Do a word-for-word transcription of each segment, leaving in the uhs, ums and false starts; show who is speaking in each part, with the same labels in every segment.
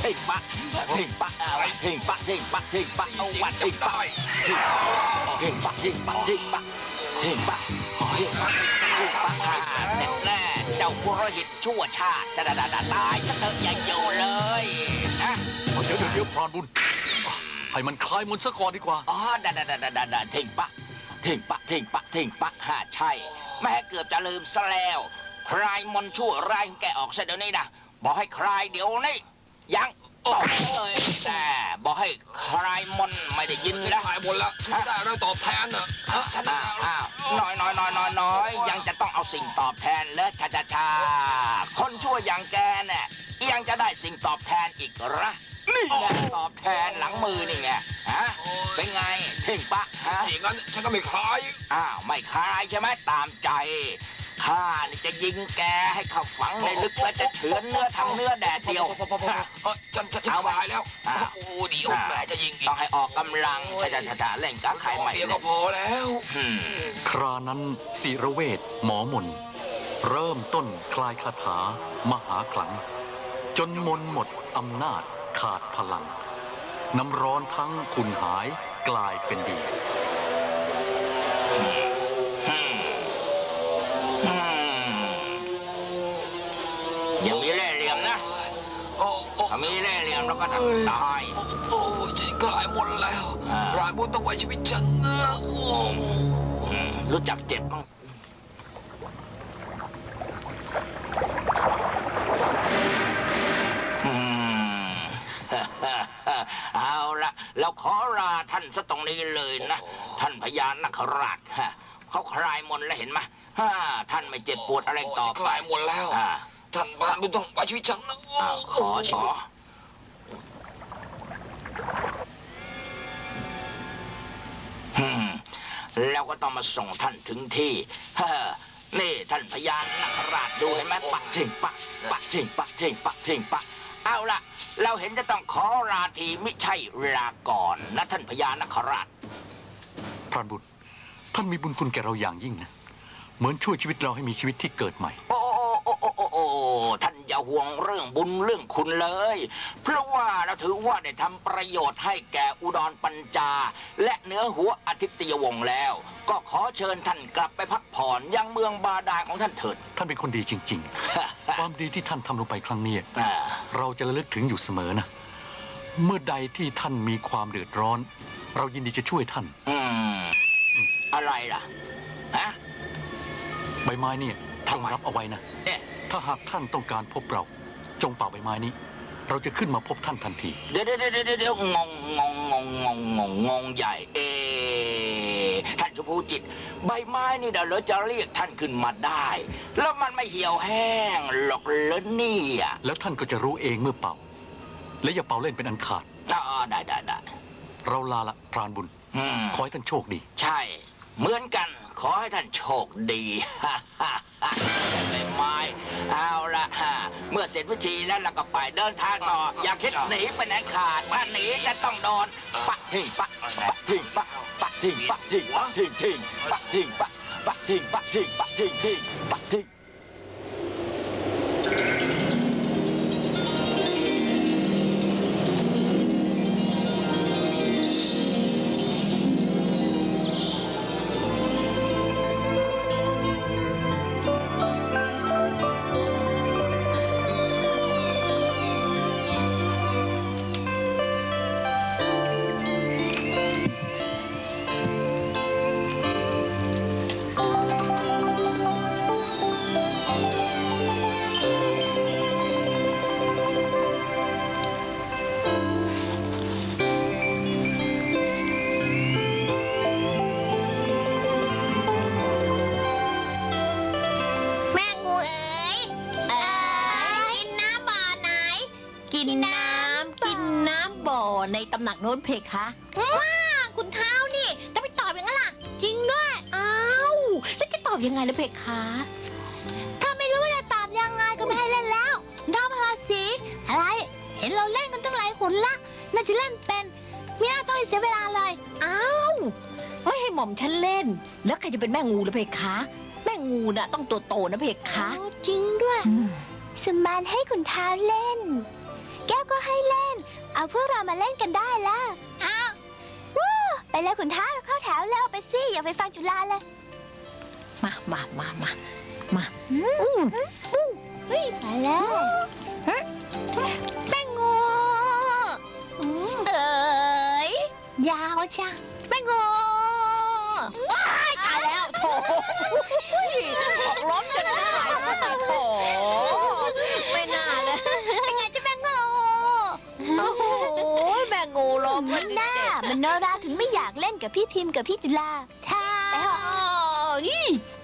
Speaker 1: ทิ้งปะทิ้งปะเอาทิ้งปะทิ้งปะทิ้งปะเอาวันทิ้งปะทิ้งปะทิ้งปะทิ้งปะทิ้งปะทิ้งปะทิ้งปะเสร็จแน่เจ้าปุโรหิตชั่วชาติจะด่าด่าตายซะเถอะอย่าอยู่เลยนะ
Speaker 2: เดี๋ยวเดี๋ยวเดี๋ยวพรานบุญให้มันคลายมนต์ซะก่อนดีกว่า
Speaker 1: อ๋อด่าด่าด่าด่าด่าทิ้งปะทิ้งปะทิ้งปะทิ้งปะฮ่าใช่แม่เกือบจะลืมซะแล้วคลายมนต์ชั่วร้ายแกออกซะเดี๋ยวนี้นะบอกให้คลายเดี๋ยวนี้ยังตอบเลยแต่บอกให้คลายมนต์ไม่ได้ยินแล้ว
Speaker 3: คลายมนต์แล้วฉันได้อะไรตอบแทนเนอะฉันได้
Speaker 1: อ้าวน้อยน้อยน้อยน้อยน้อยยังจะต้องเอาสิ่งตอบแทนเลยชาชาชาคนชั่วอย่างแกเนี่ยยังจะได้สิ่งตอบแทนอีกเหรอนี่ไงตอบแทนหลังมือนี่ไงฮะเป็นไงทิ้งปะฮะ
Speaker 3: อย่างนั้นฉันก็ไม่คลาย
Speaker 1: อ้าวไม่คลายใช่ไหมตามใจข้านี่จะยิงแกให้เข้าฝังในลึกและจะเฉือนเนื้อทำเนื้อแดดเดียว
Speaker 3: ฉันจะเอาไปแล้วโอ้ดีโอ้แม่จะยิงอีก
Speaker 1: ต้องให้ออกกำลังจะจะจะเล่นกับใครใหม่
Speaker 3: เดียวก็พอแล้ว
Speaker 2: ครานั้นศิรเวชหมอมนเริ่มต้นคลายคาถามหาขลังจนมนหมดอำนาจขาดพลังน้ำร้อนทั้งขุ่นหายกลายเป็นดี
Speaker 1: ยังมีเล่ห์เหลี่ยมนะถ้ามีเล่ห์เหลี่ยมแล้วก็จะตาย
Speaker 3: โอ้ฉันกลายหมดแล้วรานบุญต้องไว้ชีวิตฉันนะ
Speaker 1: รู้จักเจ็บบ้างเอาละเราขอลาท่านซะตรงนี้เลยนะท่านพญานาคราชเขาคลายมนต์แล้วเห็นไหมท่านไม่เจ็บปวดอะไรต่อ
Speaker 3: คลายหมดแล้วท่านบ้านบุญต้องไว้ชีวิตฉันนะ
Speaker 1: ขอขอแล้วก็ต้องมาส่งท่านถึงที่นี่ท่านพญานาคราชดูเห็นไหมปักเชิงปักปักเชิงปักเชิงปักเชิงปักเอาล่ะเราเห็นจะต้องขอราทีมิใช่ลาก่อนนะท่านพญานาคราช
Speaker 2: พรานบุญท่านมีบุญคุณแก่เราอย่างยิ่งนะเหมือนช่วยชีวิตเราให้มีชีวิตที่เกิดใหม่
Speaker 1: โอ้โอ้โอ้โอ้โอ้ท่านอย่าห่วงเรื่องบุญเรื่องคุณเลยเพราะว่าเราถือว่าได้ทำประโยชน์ให้แก่อุดรปัญจาและเนื้อหัวอาทิตยวงศ์แล้วก็ขอเชิญท่านกลับไปพักผ่อนยังเมืองบาดาลของท่านเถิด
Speaker 2: ท่านเป็นคนดีจริงๆ ความดีที่ท่านทำลงไปครั้งนี้เราจะระลึกถึงอยู่เสมอนะเมื่อใดที่ท่านมีความเดือดร้อนเรายินดีจะช่วยท่าน
Speaker 1: อืมอะไรล่ะฮะ
Speaker 2: ใบไม้นี่จงรับเอาไว้นะถ้าหากท่านต้องการพบเราจงเป่าใบไม้นี้เราจะขึ้นมาพบท่านทันที
Speaker 1: เดี๋ยวเดี๋ยวเดี๋ยวเดี๋ยวงงงงงงงงงงงใหญ่เอท่านชมพูจิตใบไม้นี่เดี๋ยวเราจะเรียกท่านขึ้นมาได้แล้วมันไม่เหี่ยวแห้งหรอกเลยนี่อ่ะ
Speaker 2: แล้วท่านก็จะรู้เองเมื่อเป่าและอย่าเป่าเล่นเป็นอันขาด
Speaker 1: อ๋อได้ได้ได้
Speaker 2: เราลาละพรานบุญขอให้ท่านโชคดี
Speaker 1: ใช่เหมือนกันขอให้ท่านโชคดีใบไม้เอาละเมื่อเสร็จพิธีแล้วเราก็ไปเดินทางต่ออย่าคิดหนีไปไหนขาดถ้าหนีจะต้องโดนปะทิ้งปะปะทิ้งปะปะทิ้งปะทิ้งปะทิ้งทิ้งปะทิ้งปะปะทิ้งปะทิ้งปะทิ้งทิ้งปะทิ้ง
Speaker 4: ในตำหนักโน้นเพคะว้าคุณเท้านี่จะไปตอบอย่างนั้นล่ะจริงด้วยอ้าวแล้วจะตอบยังไงล่ะเพคะถ้าไม่รู้ว่าจะตอบยังไงก็ไม่ให้เล่นแล้วดาวพาสีอะไรเห็นเราเล่นกันตั้งหลายคนละน่าจะเล่นเป็นไม่น่าต้องเสียเวลาเลยอ้าวไม่ให้หม่อมฉันเล่นแล้วใครจะเป็นแม่งูล่ะเพคะแม่งูน่ะต้องตัวโตนะเพคะจริงด้วยสมานให้คุณเท้าเล่น
Speaker 5: แก้วก็ให้เล่น เอาพวกเรามาเล่นกันได้แล้วอ้าววู้ไปเลยขุนท้าเข้าแถวแล้วไปสิอย่าไปฟังจุฬาเลย
Speaker 4: มามามามามา
Speaker 5: อืมเฮ้ยไปแล้ว
Speaker 4: แป้งงูเอ๋ยยาวจ้ะแป้งงูว้ายตายแล้วโถออกล้มจนได้โถไม่น่าเลยเป็นไงจ้ะแป้งงูโอ้โหแป้งงูล้ม
Speaker 5: มันน่ามโนราถึงไม่อยากเล่นกับพี่พิมพ์กับพี่จุฬา
Speaker 4: ท่านี่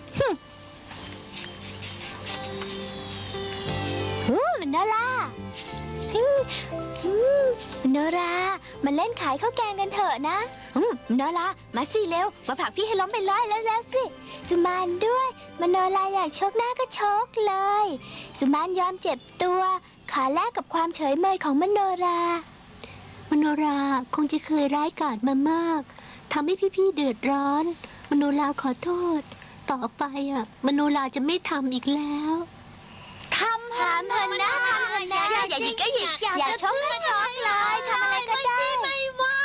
Speaker 5: ฮู้มโนราฮึ่มฮึ่มมโนรามาเล่นขายข้าวแกงกันเถอะนะอืมมโนรามาสิเร็วมาผลักพี่ให้ล้มไปเลยแล้วแล้วสิสุมานด้วยมโนราอยากชกหน้าก็ชกเลยสุมานยอมเจ็บตัวขอแลกกับความเฉยเมยของมโนรามโนราคงจะเคยร้ายกาจมามากทำให้พี่ๆเดือดร้อน มโนราขอโทษ ต่อไปอ่ะมโนราจะไม่ทำอีกแล้วทำทำเถอะนะทำเถอะนะอย่าหยิกก็หยิกอย่าชกก็ชกเลยทำอะไรก็ได้ไม่ว่า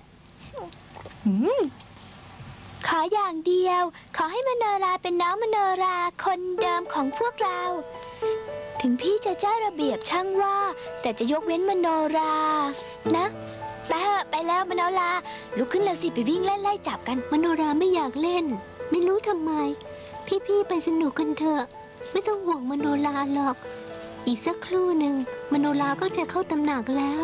Speaker 5: ขออย่างเดียว ขอให้มโนราเป็นน้องมโนราคนเดิมของพวกเรา ถึงพี่จะเจ้าระเบียบช่างว่า แต่จะยกเว้นมโนรานะไปเถอะไปแล้วมโนราลุกขึ้นแล้วสิไปวิ่งเล่นไล่จับกันมโนราไม่อยากเล่น ไม่รู้ทำไม พี่ๆไปสนุกกันเถอะไม่ต้องห่วงมโนราหรอก อีกสักครู่หนึ่งมโนราก็จะเข้าตำหนักแล้ว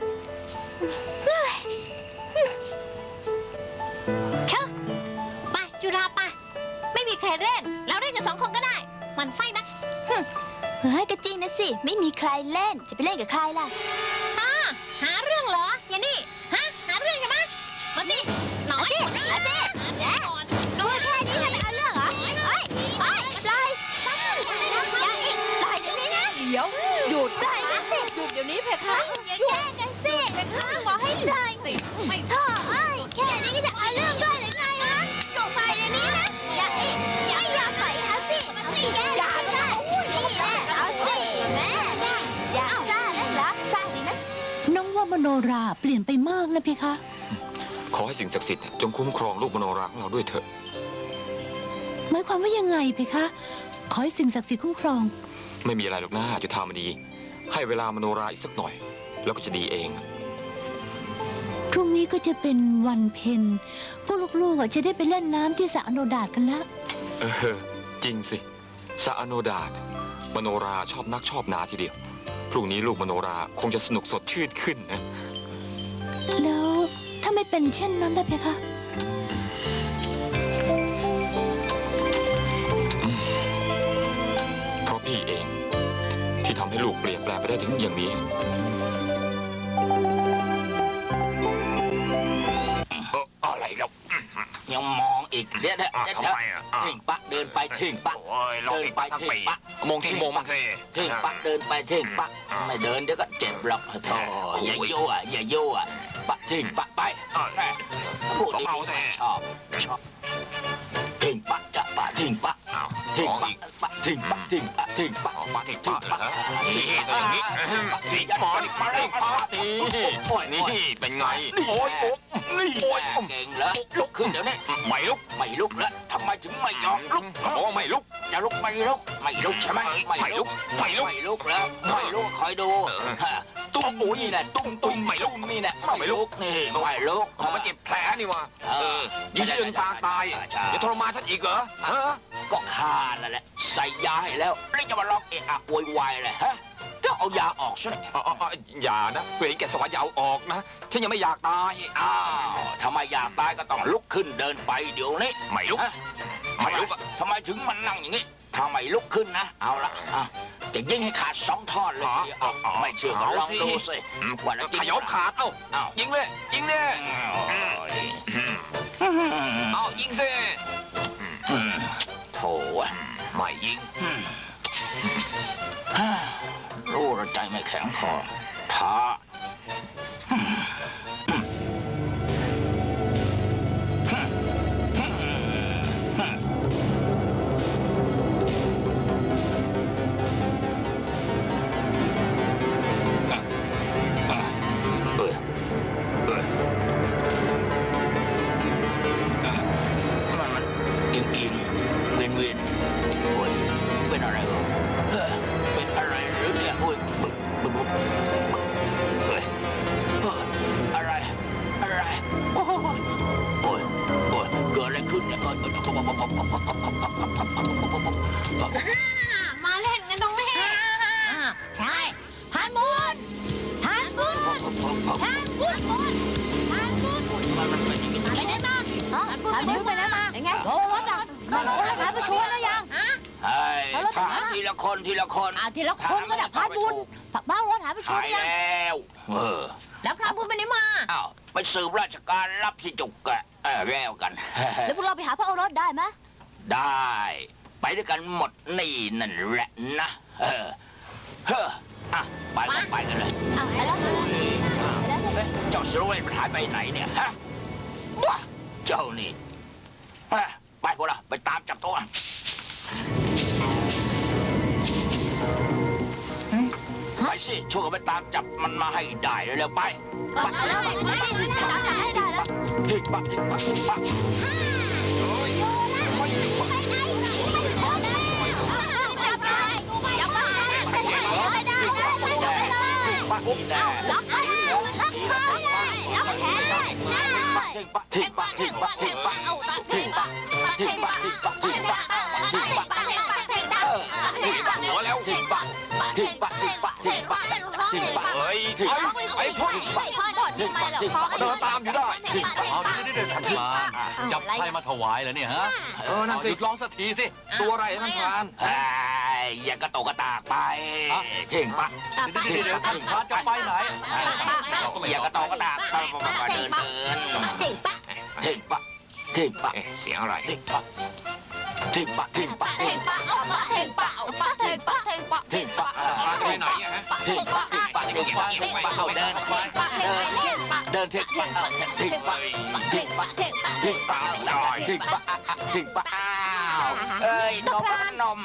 Speaker 4: เชอะไปจุฬาไปไม่มีใครเล่นเราเล่นกันสองคนก็ได้มันไส้นัก
Speaker 5: เฮ้ยก็จริงนะสิ ไม่มีใครเล่นจะไปเล่นกับใครล่ะ
Speaker 4: อ่าหาเรื่องเหรออย่างนี้ฮะหาเรื่องใช่ไหมมาสิหน่อย
Speaker 5: เอาสิเอาสิแย่ดูแค่นี้ทำไมเอาเรื่องเหรอเฮ้ยเฮ้ยปล่อยอย่าอีกปล่อยเดี๋ยวนี้นะ
Speaker 4: เดี๋ยวหยุด
Speaker 5: ปล่อยนะสิ
Speaker 4: หยุดเดี๋ยวนี้เพคะ
Speaker 5: อย่าแย่งกันสิบอกให้ปล่อย
Speaker 4: สิไม่
Speaker 5: ท่อเอ้ยแค่นี้ก็จะเอาเรื่องด้วยหรือไงฮะอยู่ไปเดี๋ยวนี้นะอย่าอีกอย่าอย่าปล่อยเอาสิเอาสิอย่าซ่านี่แหละเอาสิแม่อย่าซ่านะเหรอซ่าดีนะ
Speaker 6: น้องว่ามโนราเปลี่ยนไปมากนะเพคะ
Speaker 3: ขอให้สิ่งศักดิ์สิทธิ์จงคุ้มครองลูกมโนราของเราด้วยเถอะ
Speaker 6: หมายความว่ายังไงเพคะ ขอให้สิ่งศักดิ์สิทธิ์คุ้มครอง
Speaker 3: ไม่มีอะไรหรอกนะจุฑามณีให้เวลามโนราอีกสักหน่อย แล้วก็จะดีเอง
Speaker 6: พรุ่งนี้ก็จะเป็นวันเพ็ญพวกลูกๆอ่ะจะได้ไปเล่นน้ำที่สระอโนดาตกันละ
Speaker 3: เออจริงสิสะอโนดาตมโนราชอบนักชอบหนาทีเดียว พรุ่งนี้ลูกมโนราคงจะสนุกสดชื่นขึ้นนะ
Speaker 6: แล้วถ้าไม่เป็นเช่นนั้นล่ะเพคะ
Speaker 3: เพราะพี่เองที่ทำให้ลูกเปลี่ยนแปลงไปได้ถึงอย่างนี้
Speaker 1: อะไรแล้วยังมองอีกเดี๋ยวเดี๋ยว
Speaker 7: อ่ะ
Speaker 1: เดี๋ยว
Speaker 7: ทำไมอ่ะอ่ะ
Speaker 1: ทิ้งปะเดินไปทิ้งปะ
Speaker 7: โอ้ยลอง
Speaker 1: เดิน
Speaker 7: อีก
Speaker 1: ไป
Speaker 7: ทั้ง
Speaker 1: ทิ้ง
Speaker 7: ปี
Speaker 1: ปะ
Speaker 3: มองที่โมงมา
Speaker 7: สิ
Speaker 1: ทิ้งปะเดินไปทิ้งปะไม่เดินเดี๋ยวก็เจ็บหรอกโธ่อย่ายั่วอย่ายั่วปะทิ้งปะไป
Speaker 7: อ่ะ
Speaker 1: แม่พูด
Speaker 7: ก็
Speaker 1: ดี
Speaker 7: เมาแต่
Speaker 1: ๆชอบชอบทิ้งปะจะปะทิ้งปะ
Speaker 7: อ้าว
Speaker 1: ทิ้ง
Speaker 7: ลอง
Speaker 1: ปะ
Speaker 7: อีก
Speaker 1: ปะทิ้งปะทิ้งปะทิ้งปะ
Speaker 7: อ๋อปะทิ้งปะเหรอนี่ก็อย่างนี้
Speaker 1: ทิ้งปะ
Speaker 7: นี่หมอนี่ปะทิ้งปะนี่
Speaker 1: โอ้ย
Speaker 7: นี่เป็นไง
Speaker 1: โอ้ยโอ้ยนี่โอ้ยเก่งเหรอลุกขึ้นเดี๋ยวนี้
Speaker 7: ไม่ลุก
Speaker 1: ไม่ลุกแล้วทำไมถึงไม่ยอมลุก
Speaker 7: บอกว่าไม่ลุก
Speaker 1: จะลุกไม่ลุกไม่ลุกใช่ไหม
Speaker 7: ไม่ลุกไม่ลุก
Speaker 1: ไม่ลุกแล้วไม่ลุกคอยดูฮะตุ้มอุ้ยนี่แหละตุ้มตุ้ม
Speaker 7: ไม่ลุก
Speaker 1: นี่แหละ
Speaker 7: ไม่ลุก
Speaker 1: นี่ไม่ลุก
Speaker 7: เอามาเจ็บแผลนี่วะเออยิงที่จนปางตาย
Speaker 1: ใช่
Speaker 7: จะทรมานฉันอีกเหรอฮะ
Speaker 1: ก็ฆ่านั่นแหละใส่ยาให้แล้วแล้วจะมาล็อกเอะอะโวยวายเลยฮะก็เอายาออกซะหน่อย
Speaker 7: อ๋ออ๋ออย่านะเวรแกสวรรค์อย่าเอาออกนะฉันยังไม่อยากตาย
Speaker 1: อ้าวทำไมอยากตายก็ต้องลุกขึ้นเดินไปเดี๋ยวนี้
Speaker 7: ไม่ลุก
Speaker 1: ฮะ
Speaker 7: ไม่ลุกอะ
Speaker 1: ทำไมถึงมันนั่งอย่างนี้ถ้าไม่ลุกขึ้นนะ เอาละอ่ะจะยิงให้ขาดสองท่อนเลยทีเดียวเอาไม่เชื่อก็ลองดูสิว่าแล้วจริง
Speaker 7: ขยบขาดเอ้า
Speaker 1: อ้าว
Speaker 7: ยิงเลยยิงเลย เอายิงสิ
Speaker 1: โถ่อะ
Speaker 7: ไม่ยิง
Speaker 1: อืมฮ่ารู้ว่าใจไม่แข็งพอท้าอืมอืมอืมอืมอืม
Speaker 4: มันโอ้ยหายไปชัวร์แล้วยัง
Speaker 1: เฮ้ยถามทีละคนทีละคน
Speaker 4: อ่าทีละคนก็ได้พรานบุญผักบ้าโอ้หายไปชัว
Speaker 1: หา
Speaker 4: ร์
Speaker 1: ย
Speaker 4: แล้วยัง
Speaker 1: แล้วเออ
Speaker 4: แล้วพรานบุญไปไหนมา
Speaker 1: อ้าวไปสืบราชการรับสิจุกกะเออแล้วกัน
Speaker 5: แล้วพวกเราไปหาพระโอรสได้ไหม
Speaker 1: ได้ ไปด้วยกันหมดนี่นั่นแหละนะเออเฮ้ออ่ะไปกันไปกันเลย
Speaker 5: อ่ะไปแล้ว
Speaker 1: เฮ้ยเจ้าสิรเวชมันหายไปไหนเนี่ยฮะว้าเจ้านี่เฮ้ยไปพวกเราไปตามจับตัวไปสิช่วยกันไปตามจับมันมาให้ได้เร็วๆไป
Speaker 5: ก็ไปแล้วไปไปไปตามจับให้ได้แล้ว
Speaker 1: ทิ้งปะทิ้งปะทิ้งปะ ปะนี่แน่
Speaker 5: ล็อกให้ล็อกคอเลยล็อกแขนเลย
Speaker 1: ทิ้งปะทิ้งปะทิ้งปะทิ้งปะทิ้งปะทิ้งปะทิ้งปะทิ้งปะทิ้งปะทิ้งปะเออทิ้งปะหัวแล้วทิ้งปะทิ้งปะทิ้งปะทิ้งปะทิ้งปะ
Speaker 7: เฮ้ย
Speaker 1: ทิ้ง
Speaker 7: ไอ้
Speaker 1: ปะ
Speaker 7: ไอ้พ่อ
Speaker 1: ทิ้งปะทิ้งปะทิ้งปะ
Speaker 7: เดินตามอยู่ได้
Speaker 1: ทิ้งปะ
Speaker 2: เอาดิดิดิท่านพรานจับใครมาถวายแล้วเนี่ยฮะ
Speaker 7: เออนั่นสิ
Speaker 2: หยุดร้องสักทีสิ
Speaker 7: ตัวอะไรท่านพราน
Speaker 1: เฮ้ยอย่ากระโตกกระตากไปทิ้งปะ
Speaker 2: เดี๋ยวเดี๋ยวเดี๋ยวท่านพรานจะไปไหน
Speaker 1: อย่ากระโตกกระตากไปเดินเดิน
Speaker 4: จิปะ
Speaker 1: ทิ้งปะทิ้งปะ
Speaker 7: เอ๊ะเสียงอะไร
Speaker 1: ทิ้งปะทิ้งปะทิ้งปะ
Speaker 4: เพ่งปะเอาปะเพ่งปะเอาปะเพ่งปะเพ่งปะ
Speaker 1: ทิ้งปะ
Speaker 7: ไปไหนอะฮะ
Speaker 1: ทิ้งปะทิ้งปะทิ้งปะทิ้งปะเอาเดินเดินเดินทิ้งปะทิ้งปะทิ้งปะทิ้งปะหน่อยทิ้งปะทิ้งปะอ้าวเอ้ยนมนม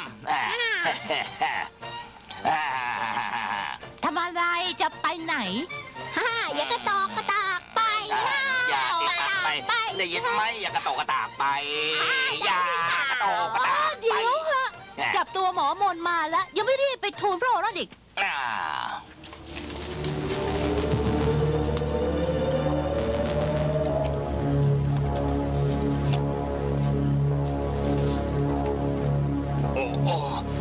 Speaker 6: ทำอะไรจะไปไหน
Speaker 4: ฮ่าอย่ากระตอกกระตากไปฮ่า
Speaker 1: อย่าติดตัดไปได้ยินไหมอย่ากระโตกกระตากไปอย่ากระโตกกระตากไป
Speaker 6: เดี๋ยวเหอะจับตัวหมอมนมาแล้ว ยังไม่รีบไปทูลพระโอรสอีก
Speaker 1: อ่าโอ้โอ้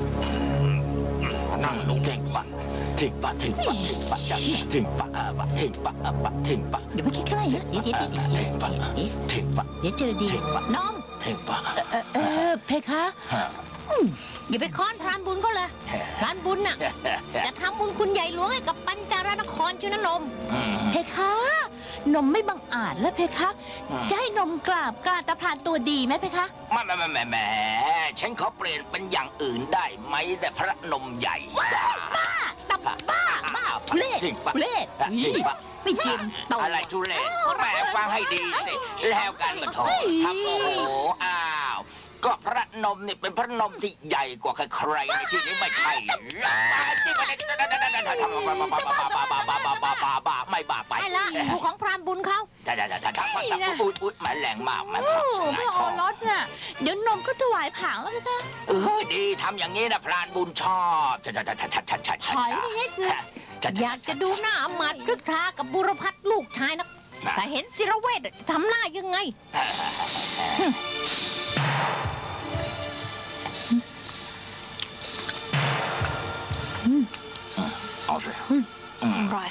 Speaker 1: นั่งลงทิ้งปะทิ้งปะทิ้งปะทิ้งปะจังทิ้งปะอ่ะปะทิ้งปะอ่ะปะทิ้งปะ
Speaker 6: เดี๋ยวไม่ใกล้ๆนะเดี๋ยวเดี๋ยวเดี๋ยวเดี๋ยว
Speaker 1: ทิ้งปะ
Speaker 6: เดี๋ยว
Speaker 1: ทิ้งปะ
Speaker 6: เดี๋ยวเจอดี
Speaker 1: ทิ้งปะ
Speaker 6: น้อง
Speaker 1: ทิ้งปะ
Speaker 6: เออเออเพคะ
Speaker 1: ฮะ
Speaker 4: อย่าไปค้อนพรานบุญเขาเลยพรานบุญน่ะจะทำบุญคุณใหญ่หลวงให้กับปัญจารนครชื่อนะนม
Speaker 6: เพคะ นมไม่บังอาจแล้วเพคะ จะให้นมกราบกราบตะพรานตัวดีไหมเพคะ
Speaker 1: แม่แม่แม่แม่แม่ฉันขอเปลี่ยนเป็นอย่างอื่นได้ไหมแต่พระนมใหญ่บ้า
Speaker 6: ตับบ้าบ้าทุเรศ
Speaker 1: ทิ้งปะ
Speaker 6: ทุเรศ
Speaker 1: ทิ้งปะ
Speaker 6: ไม่จริงโต
Speaker 1: อะไรทุเรศแม่ฟังให้ดีสิ แล้วกันมาโถทำโอ้โหอ้าว ก็พระนมนี่เป็นพระนมที่ใหญ่กว่าใครๆในที่นี้ไม่ใช่หรือที่มันทำบ้าบ้าบ้าบ้าบ้าบ้าบ้าบ้าบ้าบ้าไม่บ้าไป
Speaker 4: ไม่ละถูกของพรานบุญเขา
Speaker 1: จ้าจ้าจ้าจ้าอุ้ยอุ้ยแม่แรงมากแม่
Speaker 6: โอ้
Speaker 1: พัก
Speaker 6: พระโอรสน่ะ เดี๋ยวนมก็ถวายผางแล้วเพคะ
Speaker 1: เออดีทำอย่างนี้นะพรานบุญชอบจ้าจ้าจ้าจ้าจ้าจ้า
Speaker 6: ถอยไปนิดนึง
Speaker 4: อยากจะดูหน้าหมัดรึกทากับบุรพัฒน์ลูกชายนะแต่เห็นศิรเวชจะทำหน้ายังไง
Speaker 1: เอาสิ
Speaker 6: อร่อย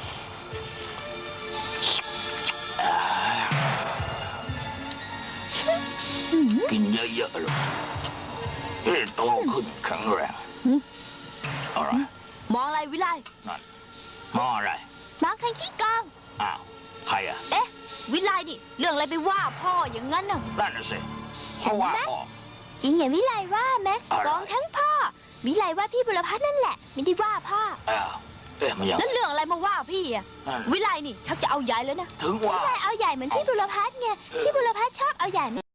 Speaker 1: กินเยอะๆเลยจะได้โตขึ้นแข็งแรงอะไร
Speaker 5: มองอะไรวิไล
Speaker 1: มออะไร
Speaker 5: มองใครขี้กอง
Speaker 1: อ้าว ใครอ่ะ
Speaker 5: เอ๊ะ วิไลนี่ เรื่องอะไรไปว่าพ่ออย่างนั้นน่ะ
Speaker 1: นั่นน่ะสิเพราะว่าพ่อ
Speaker 5: จริงอย่างวิไลว่าไหม
Speaker 1: อะไร
Speaker 5: กองทั้งพ่อ วิไลว่าพี่บุรพัฒน์นั่นแหละ ไม่ได้ว่าพ่อ
Speaker 1: อ้าวเอ๊ะมันยัง
Speaker 5: แล้วเรื่องอะไรมาว่าพี่อะ
Speaker 1: นั่น
Speaker 5: วิไลนี่ชักจะเอาใหญ่แล้วนะ
Speaker 1: ถึงว่า
Speaker 5: วิไลเอาใหญ่เหมือนพี่บุรพัฒน์ไงพี่บุรพัฒน์ชอบเอาใหญ่